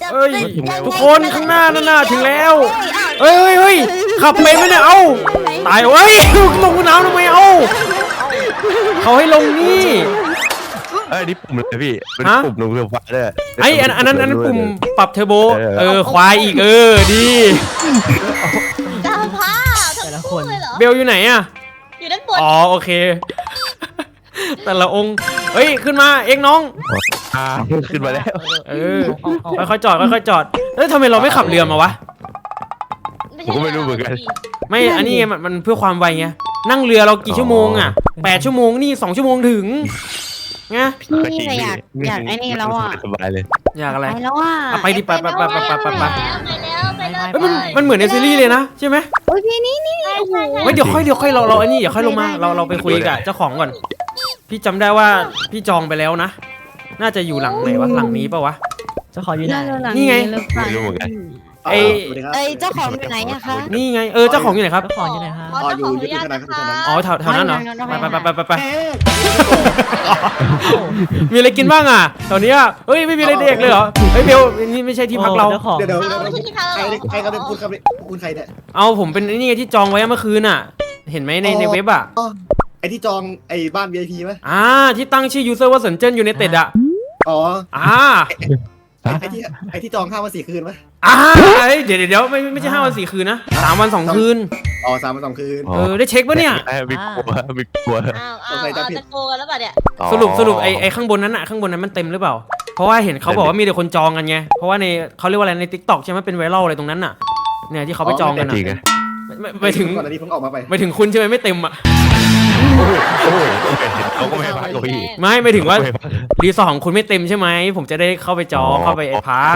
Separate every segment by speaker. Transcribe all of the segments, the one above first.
Speaker 1: เอ้ยทุกคนข้างหน้านั่นน่ะถึงแล้วเฮ้ยขับไปไหมเนี่ยเอ้าตายเว้ยลงน้ำทำไมเอ้าเขาให้ลงนี่
Speaker 2: นี่ปุ่มเลยพี่เป็นปุ่มลงเรือฟ้าด้วย
Speaker 1: อันนั้นปุ่มปรับเทอร์โบควายอีกดี
Speaker 3: ดาวพ้าแต่ละคน
Speaker 1: เบลอยู่ไหนอะ
Speaker 3: อยู่ด้านบน
Speaker 1: โอเคแต่ละองค์เฮ้ยขึ้นมาเอ็งน้อง
Speaker 2: ขึ้นมาแล้ว
Speaker 1: ค่อยๆจอดทำไมเราไม่ขับเรือมาวะ
Speaker 2: ผมก็ไม่รู้เหมือนกัน
Speaker 1: ไม่อันนี้มันเพื่อความไวไงนั่งเรือเรากี่ชั่วโมงอะ8 ชั่วโมงนี่2 ชั่วโมงถึงไง
Speaker 4: พี่อยากไอ้นี่แล้วอ่ะ
Speaker 2: สบายเลย
Speaker 1: อยากอะไร
Speaker 4: แล้วอ่ะ
Speaker 1: ไปดิไป
Speaker 3: ไป
Speaker 1: มันเหมือนในซีรีส์เลยนะใช่ไหม
Speaker 4: โอ้ยพี่นี่
Speaker 1: เดี๋ยวค่อยเราอันนี้อย่าค่อยลงมาเราไปคุยกับเจ้าของก่อนพี่จำได้ว่าพี่จองไปแล้วนะน่าจะอยู่หลังไหนวะหลังนี้ป่าวะ
Speaker 5: เจ้าของอยู่ไหน
Speaker 1: นี่ไง
Speaker 2: ไม่รู้เหมือนกัน
Speaker 4: เจ้าของอยู่ไหนอะคะ
Speaker 1: นี่ไงเจ้าของอยู่ไหนครับ
Speaker 5: เจ้าของอยู่ไหนครับ
Speaker 3: อยู่ที่ธนาคาร
Speaker 1: แถวนั้นเหรอไปมีอะไรกินบ้างอ่ะตอนนี้เฮ้ยไม่มีอะไรเด็กเลยเหรอเฮ้ยเบลนี่ไม่ใช่ที่พักเรา
Speaker 3: เดี๋ยวใครเขาเป็นคุณใครเนี่ย
Speaker 1: เอาผมเป็นนี่ไงที่จองไว้เมื่อคืนอ่ะเห็นไหมในเว็บอ่ะ
Speaker 3: ไอที่จองไอบ้าน VIP ไหม
Speaker 1: ที่ตั้งชื่อยูเซอร์ว่าสนเจิ้นยูไนเต็ดอ่ะ
Speaker 3: ไอที่จอง5 วัน 4 คืนไหม
Speaker 1: เดี๋ยวไม่ใช่5 วัน 4 คืนนะ3 วัน 2 คืน
Speaker 3: 3 วัน 2 คืน
Speaker 1: ได้เช็คปะเนี่ย
Speaker 2: มีกลัว
Speaker 3: จะโกกันแล้วป่ะเนี่ย
Speaker 1: สรุปไอข้างบนนั้นมันเต็มหรือเปล่าเพราะว่าเห็นเขาบอกว่ามีแต่คนจองกันไงเพราะว่าในเขาเรียกว่าอะไรใน TikTok ใช่ไหมเป็นไวรัลอะไรตรงนั้นน่ะเนี่ยที่เขาไปจองกันน่ะไปถึง
Speaker 3: ก่อนอันนี้เพิ่งออกมา
Speaker 1: ไปถึงคุณใช่ไหมไม่เต็มอ่ะ
Speaker 2: เขาก็ไม่พักพี่
Speaker 1: ไม่ถึงว่ารีสอร์ทของคุณไม่เต็มใช่ไหมผมจะได้เข้าไปจองเข้าไปพัก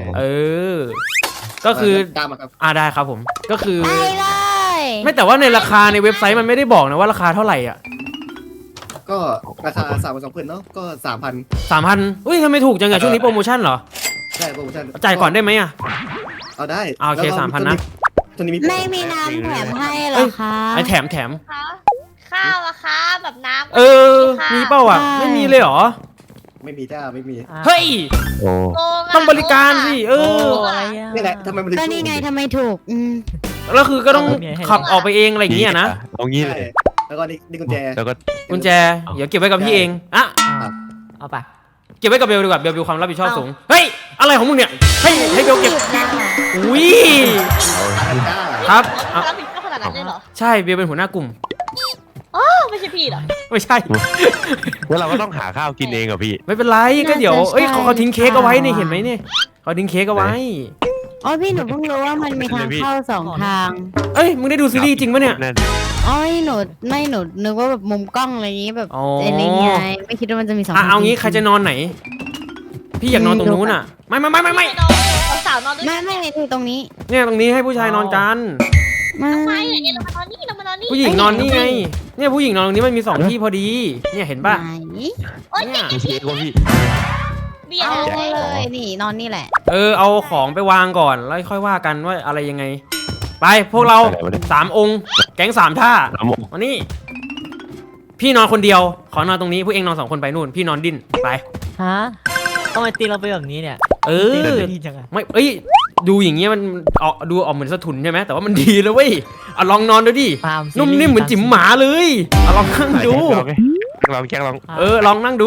Speaker 1: ก็คือได้ครับผมก็คือไม่แต่ว่าในราคาในเว็บไซต์มันไม่ได้บอกนะว่าราคาเท่าไหร่อ่ะ
Speaker 3: ก็ราคา3 วัน 2 คืนเนาะก็
Speaker 1: 3,000อุ้ยทำไมถูกจังอะช่วงนี้โปรโมชั่นเหรอ
Speaker 3: ใช่โปรโมชั่น
Speaker 1: จ่ายก่อนได้ไหมอะ
Speaker 3: เอาได้
Speaker 1: โอเค3,000นะ
Speaker 4: ไม่มีน้ำแถมให้หรอคะ
Speaker 1: แถม
Speaker 3: ข้าวอะคะแบบน้ำ
Speaker 1: มีเปล่าอ่ะไม่มีเลยเหรอ
Speaker 3: ไม่มีจ้าไม่มี
Speaker 1: เฮ้ยต้องบริการสิ
Speaker 3: อะไรนี่แหละทำไมมันถึง
Speaker 4: ก็นี่ไงทำไมถูก
Speaker 1: แล้วคือก็ต้องขับออกไปเองอะไรอย่างเงี้ยนะ
Speaker 2: เอางี้เลย
Speaker 3: แล้วก็นี่กุญแจ
Speaker 1: เดี๋ยวเก็บไว้กับพี่เอง
Speaker 5: เอาไป
Speaker 1: เก็บไว้กับเบลดีกว่าเบลมีความรับผิดชอบสูงเฮ้ยอะไรของมึงเนี่ยให้เบลเก็บอุ้ยครับ
Speaker 3: รับผิดชอบขนาดนั้นเลยเหรอ
Speaker 1: ใช่เบลเป็นหัวหน้ากลุ่ม
Speaker 3: ไม่ใช่พี่หรอ
Speaker 1: ไม่ใช่
Speaker 2: แล้วเราก็ต้องหาข้าวกินเองเหรอพี่
Speaker 1: ไม่เป็นไรก็เดี๋ยวเขาทิ้งเค้กเอาไว้นี่เห็นไหมนี่เขาทิ้งเค้กเอาไว้
Speaker 4: พี่หนูเพิ่งรู้ว่ามันมีทางเข้า2 ทาง
Speaker 1: มึงได้ดูซีรีส์จริงปะเนี่ย
Speaker 4: หนูนึกว่าแบบมุมกล้องอะไรอย่างงี้แบบอะไรเงี้ยไม่คิดว่ามันจะมี2 ทาง
Speaker 1: เอางี้ใครจะนอนไหนพี่อยากนอนตรงนู้นอ่ะไม่
Speaker 3: สาวนอนด้วย
Speaker 4: ไม่ที่ตรงนี้
Speaker 1: เนี่ยตรงนี้ให้ผู้ชายนอนกัน
Speaker 3: ไม่เนี่ยเรามานอนนี่
Speaker 1: ผู้หญิงนอนนี่ไงเนี่ยผู้หญิงนอนตรงนี้มันมี2 ที่พอดีเนี่ยเห็นป่ะ
Speaker 3: เนี่ย
Speaker 2: เค้กว่าพี่
Speaker 4: เอาเลยนี่นอนนี่แหละ
Speaker 1: เอาของไปวางก่อนแล้วค่อยว่ากันว่าอะไรยังไงไปพวกเรา3 องค์แก๊ง3 ท่ามานี่พี่นอนคนเดียวขอนอนตรงนี้พวกเองนอน2 คนไปนู่นพี่นอนดิ้นไป
Speaker 5: ทำไมตีเราไปแบบนี้เนี่ย
Speaker 1: ไม่ดูอย่างเงี้ยมันดูออกเหมือนสะทุนใช่ไหมแต่ว่ามันดีเลยเว้ยลองนอนดูดินุ่มนิ่มเหมือนจิ๋มหมาเลยลองนั่งดู
Speaker 2: ลอง
Speaker 1: ลองนั่งดู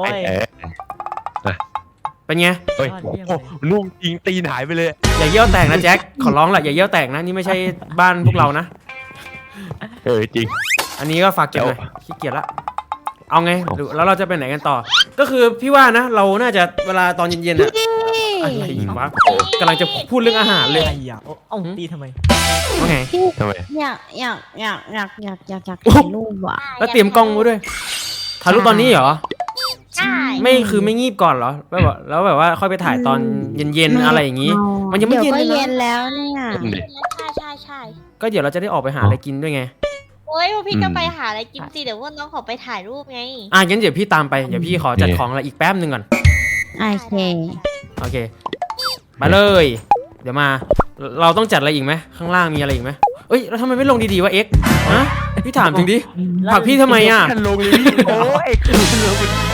Speaker 1: เป็นไง
Speaker 2: นุ่มจริงตีนหายไปเลย
Speaker 1: อย่าเยี่ยวแตกนะแจ็คขอร้องแหละอย่าเยี่ยวแตกนะนี่ไม่ใช่บ้านพวกเรานะ
Speaker 2: จริง
Speaker 1: อันนี้ก็ฝากเก็บหน่อยขี้เกียจละเอาไงแล้วเราจะไปไหนกันต่อก็คือพี่ว่านะเราน่าจะเวลาตอนเย็นๆอะอะไรวะกำลังจะพูดเรื่องอาหารเลย
Speaker 5: ตีทำไม
Speaker 1: ว่าไง
Speaker 2: ทำไม
Speaker 4: อยากถ่ายรูปว่ะ
Speaker 1: แล้วเตรียมกล้องไว้ด้วยถ่ายรูปตอนนี้เหรอใช่ไม่คือไม่งีบก่อนเหรอแล้วแบบว่าค่อยไปถ่ายตอนเย็นๆอะไรอย่างงี้มันยังไม่เย็น
Speaker 4: เย็นแล้วเนี่ย
Speaker 3: ใช่
Speaker 1: ก็เดี๋ยวเราจะได้ออกไปหาอะไรกินด้วยไง
Speaker 3: พี่ก็ไปหาอะไรกินสิเดี๋ยวว่าน้องขอไปถ่ายรูปไง
Speaker 1: งั้นเดี๋ยวพี่ตามไปเดี๋ยวพี่ขอจัดของอะไรอีกแป๊บนึงก่อน
Speaker 4: โอเค
Speaker 1: ไปเลยเดี๋ยวมาเราต้องจัดอะไรอีกไหมข้างล่างมีอะไรอีกไหมแล้วทำไมไม่ลงดีๆวะเอ็กพี่ถามจริงดิผักพี่ทำไม
Speaker 2: ลงเลยพี่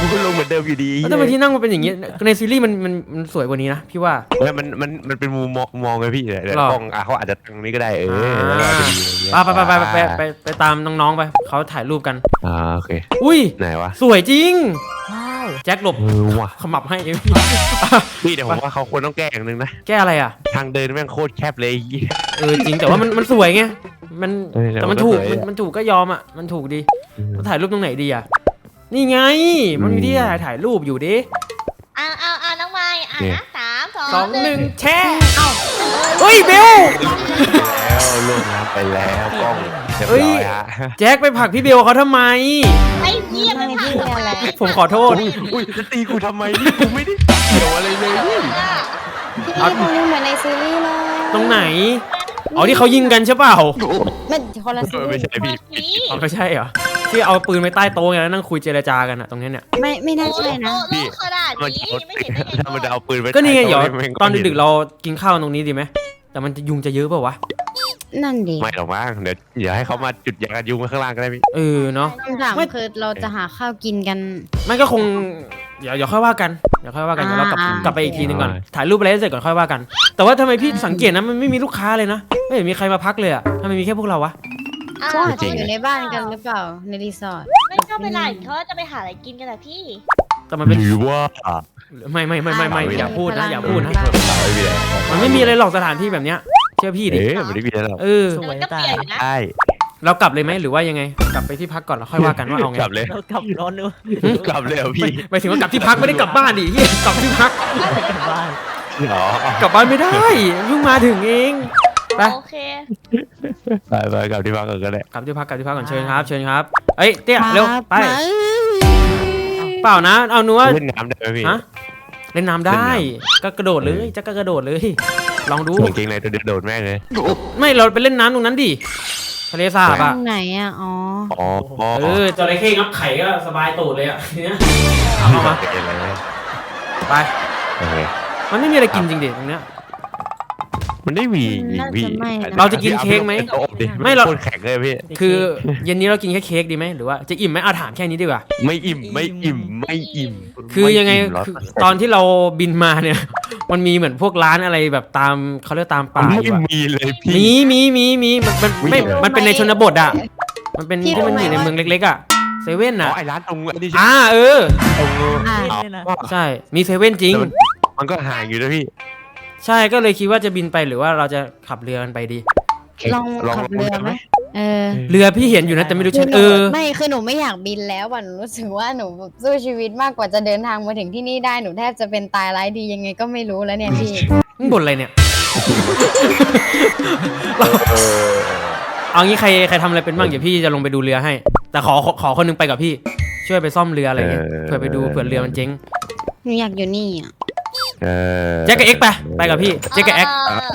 Speaker 2: กูก็ลงเหมือนเดิมอยู่ดี
Speaker 1: แล้วทำไมที่นั่งมันเป็นอย่างงี้ในซีรีส์มันสวยกว่านี้นะพี่ว่า
Speaker 2: แล้วมันเป็นมุมมองไงพี่เดี๋ยว
Speaker 1: หรอ
Speaker 2: กล้องเขาอาจจะตรงนี้ก็ได้แล้วก็อาจจะดีอะไรเงี้ย
Speaker 1: ไปตามน้องๆไปเขาถ่ายรูปกัน
Speaker 2: โอเค
Speaker 1: อุ้ย
Speaker 2: ไหนวะ
Speaker 1: สวยจริง
Speaker 5: ว้าว
Speaker 1: แจ็คหลบ
Speaker 2: ว่ะ
Speaker 1: ขมับให้
Speaker 2: พี่เดี๋ยวผมว่าเขาควรต้องแก้อย่างหนึงนะ
Speaker 1: แก้อะไรอ่ะ
Speaker 2: ทางเดินแม่งโคตรแคบเลย
Speaker 1: จริงแต่ว่ามันสวยไงมัน แต่มันถูก
Speaker 2: สวย
Speaker 1: มันถูกก็ยอมอ่ะมันถูกดีเราถ่ายรูปตรงไหนดีอ่ะนี่ไงมันมีที่ถ่ายรูปอยู่ดิ
Speaker 3: เอาน้องไม้นะ3
Speaker 1: สอง
Speaker 3: 2
Speaker 1: หนึ่ง
Speaker 3: 1
Speaker 1: แช่เฮ้ยเบล
Speaker 2: แล้วลงน้ำไปแล้วกล้องเรียบ
Speaker 1: เฮ้
Speaker 2: ร้
Speaker 1: ย
Speaker 2: อยฮะ
Speaker 1: แจ็คไปผลักพี่เบลเขาทำไม
Speaker 3: ไอ้เหี้ยไม่ผ่านอะไร
Speaker 1: ผมขอโทษ
Speaker 2: อุ้ยจะตีกูทำไมนี่กูไม่ได้เกี่ยวอะไรเลยนี่
Speaker 4: พี่ตรงนี้เหมือนในซีรีส์เลย
Speaker 1: ตรงไหนอ๋อที่เขายิงกันใช่เปล่า
Speaker 4: มันคนละซีรี
Speaker 2: ไม่
Speaker 4: ส์
Speaker 2: ใช่พี่
Speaker 1: อ๋อไม่ใช่เหรอที่เอาปืนไปใต้โต๊ะไงแล้วนั่งคุยเจรจากันอะตรงนี้เนี่ย
Speaker 4: ไม่น่าใช่นะ
Speaker 3: โลกขนาด
Speaker 2: มัน
Speaker 3: นี้ไม่เห็นได้ไง
Speaker 2: ถ้ามันจะเอาปืนไป
Speaker 1: ก็นี่ไงเดี๋ยว
Speaker 2: ใต้โะ
Speaker 1: ตอนดึกๆเรากินข้าวตรงนี้ดีไหมแต่มันจะยุงจะเยอะเปล่าวะ
Speaker 4: นั่นดิ
Speaker 2: ไม่หรอกมั้งเดี๋ยวให้เขามาจุดยากันยุงไว้ข้างล่างก็ได้พี่
Speaker 1: เนาะ
Speaker 4: คำถามคือเราจะหาข้าวกินกัน
Speaker 1: มันก็คงเดี๋ยวค่อยว่ากันเดี๋ยวเรากลับไปอีกทีนึงก่อนถ่ายรูปอะไรให้เสร็จก่อนค่อยว่ากัน แต่ว่าทำไมพี่สังเกตนะมันไม่มีลูกค้าเลยนะไม่เห็นมีใครมาพักเลยอะทำไมมีแค่พวกเราวะ
Speaker 4: ก็อาจจะอยู่ในบ้านกันหรือเปล่าในรีสอร์ท
Speaker 3: ไม่ก็เวลาเขาจะไปหาอะไรกินกันแหละพี่
Speaker 1: แต่มันเป็น
Speaker 2: หรือว่า
Speaker 1: ไม่อย่าพูดนะอย่าพูดนะ
Speaker 2: ไม่มีอะไร
Speaker 1: มันไม่มีอะไรหรอกสถานที่แบบเนี้ยเชื่อพี่ดิ
Speaker 2: ไม่ได้มีอะไรหรอก
Speaker 5: สวย
Speaker 3: ก็
Speaker 5: ตา
Speaker 3: เปลี่ยนอยู่นะ
Speaker 2: ใช่
Speaker 1: เรากลับเลยไหมหรือว่ายังไงกลับไปที่พักก่อนแล้วค่อยว่ากันว่าเอาไง
Speaker 2: กลับเลย
Speaker 5: เรากลับร้อนด้วย
Speaker 2: กลับเลยเหรอพี่
Speaker 1: หมายถึงว่ากลับที่พักไม่ได้กลับบ้านดิเหี้ยกลับที่พัก
Speaker 5: กลับบ้าน
Speaker 2: อ๋อก
Speaker 1: ลับบ้านไม่ได้เพิ่งมาถึงเองไป
Speaker 3: โอเค
Speaker 2: ไปกลับที่พักก่อนก็ได้
Speaker 1: กลับที่พักก่อนเชิญครับเชิญครับเอ้ยเตี้ยเร็วไป
Speaker 4: มา
Speaker 1: เปล่านะเอาหนูว่า
Speaker 2: เล่นน้ำได้ไหมพี่
Speaker 1: ฮะเล่นน้ำได้ก็กระโดดเลยจะก็กระโดดเลย ลองดู
Speaker 2: ส่งเกงในตัวเดียวโดดแม่งเลย
Speaker 1: ไม่เราไปเล่นน้ำตรงนั้นดิทะเลสาบ
Speaker 4: ต
Speaker 1: อ่ะ
Speaker 4: รงไหนอ่ะอ๋อ
Speaker 2: อ๋อ
Speaker 1: จระเข้งับไข่ก็สบายตูดเลยอ่ะทีเนี้ยเอามา ไป
Speaker 2: โอเค
Speaker 1: มันไม่มีอะไรกินจริงดิตรงเนี้ย
Speaker 2: มันได้มีพี่
Speaker 1: เราจะกินเค้กไหม
Speaker 2: ไม่
Speaker 1: ไม่
Speaker 2: เรา
Speaker 1: เรา
Speaker 2: คนแข็งเลยพี่
Speaker 1: คือเย็นนี้เรากินแค่เค้กดีไหมหรือว่าจะอิ่มไหมเอาถามแค่นี้ดีกว่า
Speaker 2: ไม่อิ่มไม่อิ่ม
Speaker 1: คือยังไง
Speaker 2: ม่อิ่มหรก
Speaker 1: คือตอนที่เราบินมาเนี่ย มันมีเหมือนพวกร้านอะไรแบบตามเขาเรียกตามป่า
Speaker 2: ไม่
Speaker 1: อยู่อะ
Speaker 2: มีเลยพี่
Speaker 1: มีมันไม่
Speaker 2: มีเหรอ
Speaker 1: มันเป็นในชนบทอ่ะมันเป็นที่มันอยู่ในเมืองเล็กๆอ่ะเซเว่น
Speaker 2: อ๋
Speaker 1: อ่ะ
Speaker 2: อไอ้ร้านตรงอันนี้
Speaker 1: ตรง
Speaker 4: อ่ะ
Speaker 5: นี่นะ
Speaker 1: ใช่มีเซเว่นจริง
Speaker 2: มันก็ห่างอยู่นะพี่
Speaker 1: ใช่ก็เลยคิดว่าจะบินไปหรือว่าเราจะขับเรือกันไปดี
Speaker 4: ลองขับเรือไหมเออ
Speaker 1: เรือพี่เห็นอยู่นะแต่ไม่รู้ชัน
Speaker 4: ไม่คือหนูไม่อยากบินแล้วอ่ะหนูรู้สึกว่าหนูสู้ชีวิตมากกว่าจะเดินทางมาถึงที่นี่ได้หนูแทบจะเป็นตายร้ายดียังไงก็ไม่รู้แล้วเนี่ยพี่
Speaker 1: มึงบ่นอะไรเนี่ย เอางี้ใครทำอะไรเป็นบ้างเดี๋ยวพี่จะลงไปดูเรือให้ แต่ขอคนหนึงไปกับพี่ช่วยไปซ่อมเรืออะไรเงี้ยเผื่อไปดูเผื่อเรือมันเจ๊ง
Speaker 4: หนูอยากอยู่นี่อ่ะ
Speaker 1: แจ็คกับเอ็กซ์ไปกับพี่แจ็คกับเอ็กซ์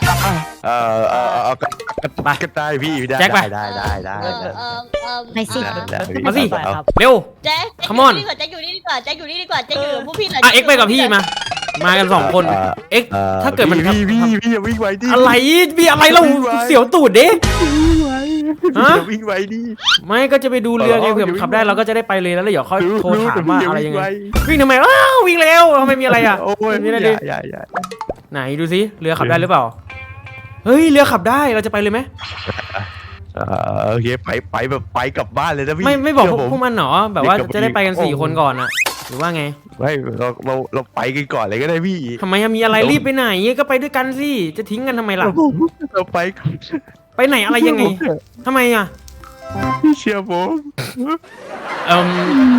Speaker 2: ก็ได้พี่
Speaker 1: แจ็คไป
Speaker 2: ได้
Speaker 4: ไปสิ
Speaker 1: มาสิ
Speaker 5: ไปครับ
Speaker 1: เร็ว
Speaker 3: แจ็ค
Speaker 1: Come on
Speaker 3: แจ็คอยู่นี่ดีกว่าแจ็คอยู่นี่ดีกว่าแจ็คอยู่กับพวกพี่หน่อย
Speaker 1: เอ็กซ์ไปกับพี่มากัน2คนเอ็กซ์ถ้าเกิดมัน
Speaker 2: พี่อย่าวิ่งไวดิ
Speaker 1: อะไรมีอะไรเราเสียวตูดเด้ ฮะ
Speaker 2: วิ่งไวดิ
Speaker 1: ไม่ก็จะไปดูเรือไงเผื่อมันขับได้เราก็จะได้ไปเลยแล้วเดี๋ยวค่อยโทรถามว่าอะไรยังไงวิ่งทำไมอ้าววิ่งเร็วทำไมมีอะไรอ่ะ
Speaker 2: โอ้ย
Speaker 1: มีอะไรดิ
Speaker 2: อย่า
Speaker 1: ไหนดูสิเรือขับได้หรือเปล่าเฮ้ยเรือขับได้เราจะไปเลยไหม
Speaker 2: โอเคไปแบบไปกลับบ้านเลยนะพี่
Speaker 1: ไม่บอก
Speaker 2: เชื่
Speaker 1: พวกมันหนอแบบว่าจะได้ไปกัน4 คนก่อนอะหรือว่าไง
Speaker 2: ไม่เราไปกันก่อนเลยก็ได้พี่
Speaker 1: ทำไมอะมีอะไรรีบไปไหนก็ไปด้วยกันสิจะทิ้งกันทำไมล่ะ
Speaker 2: เราไปก่อน
Speaker 1: ไปไหนอะไรยังไงทำไมอะ
Speaker 2: พี่เชื่อผม
Speaker 1: เอ่ม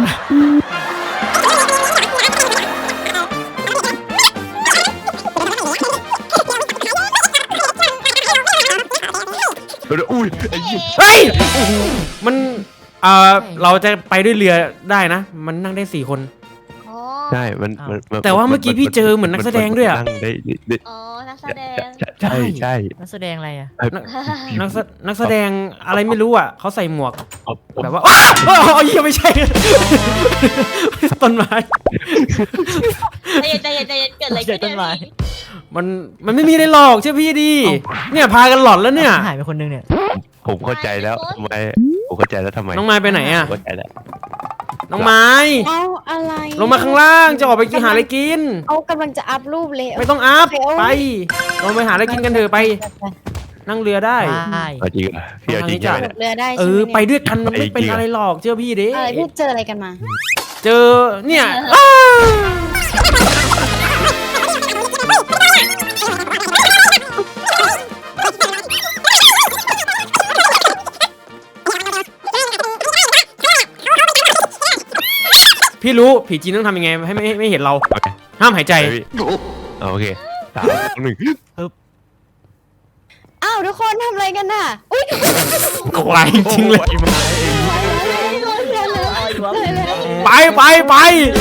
Speaker 2: อุ้ยไอ้ยี่
Speaker 1: เฮ้ยมันเราจะไปด้วยเรือได้นะ มันนั่งได้4 คน
Speaker 3: อ๋อ
Speaker 2: ใช่มัน
Speaker 1: แต่ว่าเมื่อกี้พี่เจอเหมือนนักแสดงด้วยอะ
Speaker 2: นั่งได้
Speaker 3: อ๋อนักแสดง
Speaker 2: ใช่
Speaker 5: นักแสดงอะไรอ่ะ
Speaker 1: นักแสดงอะไรไม่รู้อ่ะเขาใส่หมวกแบบว่าอ้าวยังไม่ใช่ ต้นไม้
Speaker 3: ใจเย็นเกิดอะไรขึ้นเนี่ยพี่
Speaker 1: มันไม่มีอะไรหรอกเชื่อพี่ดีเนี่ยพากันหลอนแล้วเนี่ย
Speaker 5: หายไปคนนึงเนี่ย
Speaker 2: ผมเข้าใจแล้วทำไมผมเข้าใจแล้วทำไม
Speaker 1: น้องไม้ไปไหนอ่ะ
Speaker 2: เข้าใจแล้ว
Speaker 1: น้องไม้
Speaker 4: เอาอะไร
Speaker 1: ลงมาข้างล่างจะออกไปกินหาอะไรกิน
Speaker 4: เอากำลังจะอัพรูปเลย
Speaker 1: ไม่ต้องอัพ
Speaker 4: โเค
Speaker 1: ไปลงไปหาอะไรกินกันเถอะไป นั่งเรือได้
Speaker 5: ได้
Speaker 2: เอาจริงเหรอพี่เอาจริงใช่ไหมเนี่ย
Speaker 4: เรือได้
Speaker 1: เอ
Speaker 4: ใช่
Speaker 1: อ
Speaker 4: ไหม
Speaker 1: ไปด้วยกันมันไม่เป็นอะไรหรอกเชื่อพี่ดิ
Speaker 4: อะไรพี่เจออะไรกันมา
Speaker 1: เจอเนี่ยอ้าพี่รู้ผีจีนต้องทำยังไงให้ไม่เห็นเรา
Speaker 2: โอเค
Speaker 1: ห้ามหายใจ
Speaker 2: ไปพี่โอเค3 2 1
Speaker 4: อ้าวทุกคนทำอะไรกันน่ะอุ้ย
Speaker 1: ควายจริงเลย ไปไปไป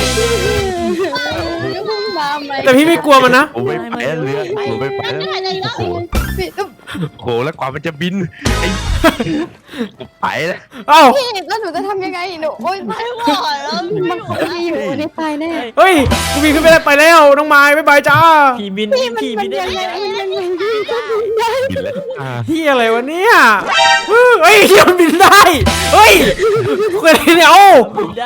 Speaker 4: มาไหม
Speaker 1: แต่พี่ไม่กลัวมันนะ
Speaker 2: ผมไม่ไปแล้วเรือผมไม่ไปแล้วโอ้โหโอ้โหแล้วกว่ามันจะบินไอ้กูไปแล้ว
Speaker 1: เอ้า
Speaker 4: พี่แล้วหนูจะทำยังไงหนูโอ๊ยไม่ไหวแล้วมันคงไม่อยู่ในไฟแน่
Speaker 1: เฮ้ยกูบินขึ้นไปแล้วน้องไม้บ๊ายบายจ้า
Speaker 5: ผีบิน
Speaker 4: พี่มัน
Speaker 5: ผีบินได้
Speaker 4: ยังไง
Speaker 5: ไง
Speaker 4: มันยังไงพี่ก็บินได้
Speaker 2: บินแล้ว
Speaker 1: ที่อะไรวะเนี่ยเฮ้ยเดี๋ยวมันบินได้เฮ้ยกูอะไรเนี่ยโอ้
Speaker 5: บินได้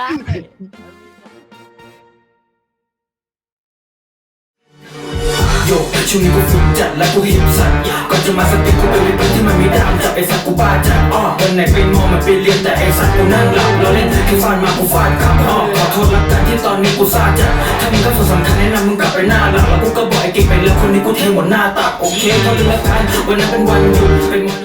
Speaker 6: โยกช่วงนี้กูฝึกจัดและกูหิวสัตว์ก่อนจะมาสติกูเป็นวิปที่มันไม่ดามจับไอ้สัตว์กูบ้าจัดวันไหนไปมองมันไปเรียนแต่ไอ้สัตว์กูนั่งหลับเราเล่นแค่ฟาดมากูฟาดกลับขอโทษละกันที่ตอนนี้กูซาจัดถ้ามึงก็ส่วนสำคัญแนะนำมึงกลับไปหน้าหลักแล้วกูก็บอกไอ้เก่งไปแล้วคนนี้กูเทหมดหน้าตักโอเคเขาดูละกันวันนั้นเป็นวันหยุดเป็นวัน